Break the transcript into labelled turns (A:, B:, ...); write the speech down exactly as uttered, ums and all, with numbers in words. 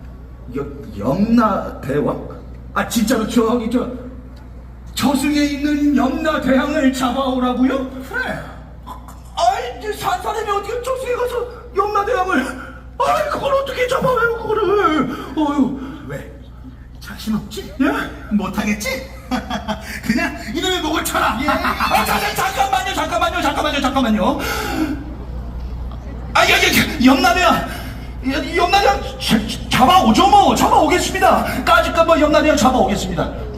A: 여, 염라대왕? 아 진짜로 저기 저 저승에 있는 염라대왕을 잡아오라고요?
B: 그래.
A: 아이 이제 산 사람이 어떻게 저승에 가서 염라대왕을 아이 그걸 어떻게 잡아와요 그거를 어휴
B: 왜? 자신 없지?
A: 예?
B: 못하겠지? 그냥 이놈의 목을 쳐라.
A: 예. 아, 자, 자, 잠깐만요, 잠깐만요, 잠깐만요, 잠깐만요. 아, 야, 야, 염라대왕, 염라대왕 잡아오죠, 뭐, 잡아오겠습니다. 까짓 거뭐 염라대왕 잡아오겠습니다.